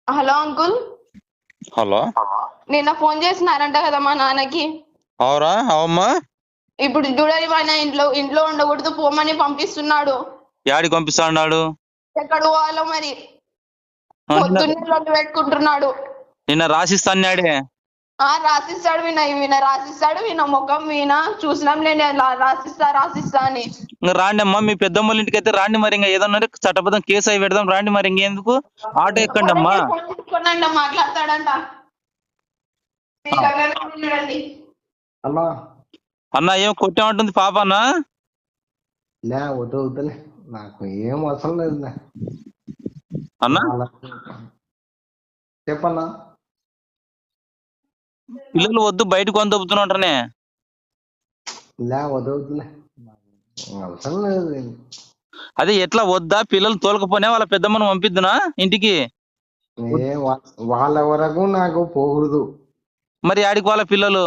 Hello uncle. Hello, నిన్న phone చేసినారంట కదా మా నాన్నకి. అవురా? అవమ్మా, ఇప్పుడు చూడాలి మన ఇంట్లో ఉండకూడదు పోమని పంపిస్తున్నాడు. యాడికి పంపిస్తా ఉన్నాడు? ఎక్కడ పోవాలో మరి. పొద్దున్నే లొల్లి పెట్టుకుంటున్నాడు. నిన్న రాసిస్తాడే. రాసిస్తాడు విన రాసిస్తాడు విన ముఖం విన చూసినాం లేని రాసిస్తా అని. ఇంకా రాండి అమ్మా, మీ పెద్దమ్మల ఇంటికి అయితే రాండి. మరి ఇంకా ఏదన్నా చట్టబద్ధం కేసు అయి పెడదాం రాండి. మరి ఇంకెందుకు ఆటో ఎక్కండి అమ్మా. మాట్లాడతాడంట. అన్నా అన్న ఏం కొట్టేమంటుంది పాప అన్న? లే వద్దులే, నాకు ఏం అవసరం లేదు అన్నా. చెప్పన్నా. పిల్లలు వద్దు బయటకు కొని దొబ్బుతున్నా. లే వద్దులే, అవసరం లేదు. అదే ఎట్లా వద్దా? పిల్లలు తోలకపోనే వాళ్ళ పెద్దమ్మను పంపిద్దునా ఇంటికి? వాళ్ళ వరకు నాకు పోకూడదు. మరి ఆడికి వాళ్ళ పిల్లలు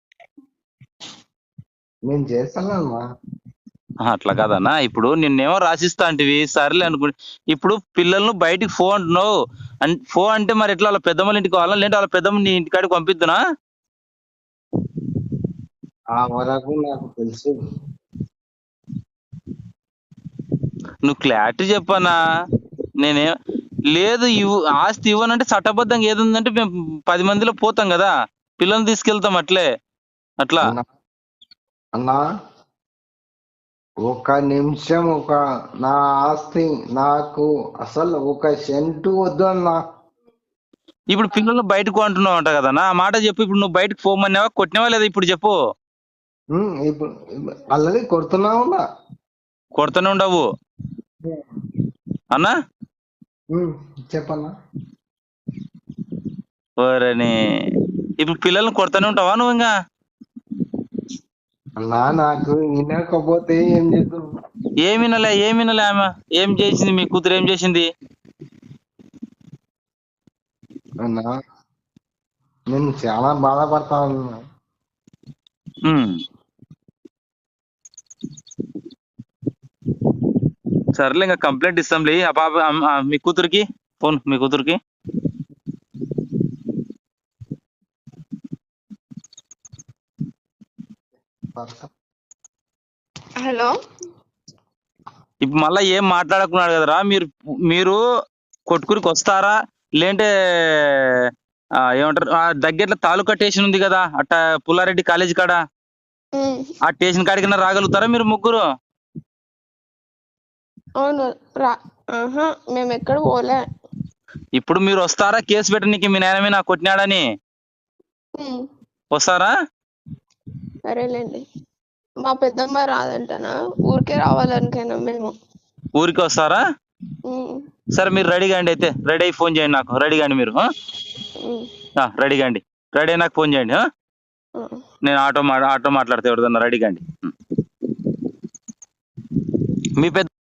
నేను చేస్తానమ్మా. అట్లా కాదన్నా, ఇప్పుడు నిన్నేమో రాసిస్తా అంటివి, సర్లే అనుకు. ఇప్పుడు పిల్లలను బయటికి ఫోన్ అంటున్నావు. ఫోన్ అంటే మరి ఎట్లా? వాళ్ళ పెద్దమ్మల ఇంటికి వాళ్ళ లేదంటే వాళ్ళ పెద్దమ్మ నీ ఇంటికాడికి పంపిద్దునా? ఆ వరకు నాకు తెలుసు. నువ్వు క్లారిటీ చెప్పనా? నేనే లేదు ఆస్తి ఇవ్వనంటే చట్టబద్ధంగా ఏది ఉందంటే మేము 10 మందిలో పోతాం కదా, పిల్లల్ని తీసుకెళ్తాం అట్లే. అట్లా అన్నా ఒక నిమిషం, నా ఆస్తి నాకు అసలు 1 సెంటు వద్దు అన్నా. ఇప్పుడు పిల్లలు బయటకు అంటున్నావు అంట కదా, ఆ మాట చెప్పు. ఇప్పుడు నువ్వు బయటకు పోమన్నావా, కొట్టినావా లేదా? ఇప్పుడు చెప్పు. ఇప్పుడు ఆల్రెడీ కొడుతున్నావు. కొడుతూనే ఉండవు అన్నా. చెప్పన్నా. ఓరని, ఇప్పుడు పిల్లల్ని కొడుతూనే ఉంటావా నువ్వు? ఇంకా అన్నా నాకు వినకపోతే ఏం చేద్దాం? ఏమినలే ఆమె ఏం చేసింది? మీ కూతురు ఏం చేసింది? అన్నా నేను చాలా బాధపడతా ఉన్నా. సర్లే, ఇంకా కంప్లైంట్ ఇస్తాంలే. ఆ పాప మీ కూతురికి ఫోన్, మీ కూతురికి. హలో. ఇప్పుడు మళ్ళా ఏం మాట్లాడుకున్నాడు కదరా? మీరు కొట్టుకురికి వస్తారా? లేంటే ఏమంటారు, దగ్గరలో తాలూకా స్టేషన్ ఉంది కదా అట్ట, పుల్లారెడ్డి కాలేజీ కాడ, ఆ స్టేషన్ కాడికైనా రాగలుగుతారా మీరు ముగ్గురు? అవును మేము ఎక్కడ పోలే. ఇప్పుడు మీరు వస్తారా కేసు పెట్టనీకి? మీ నాయనమే నాకు కొట్టినాడని వస్తారా? సరేలేండి. మా పెద్దమ్మ రాదంటనా, ఊరికే రావాలనుకైనా మేము. ఊరికి వస్తారా? సరే, మీరు రెడీగా అండి. అయితే రెడీ అయ్యి ఫోన్ చేయండి నాకు. రెడీగా అండి మీరు. రెడీగా అండి. రెడీ అయ్యి నాకు ఫోన్ చేయండి. నేను ఆటో మాట్లాడితే ఎవరిదన్నా. రెడీగా అండి. మీ పెద్ద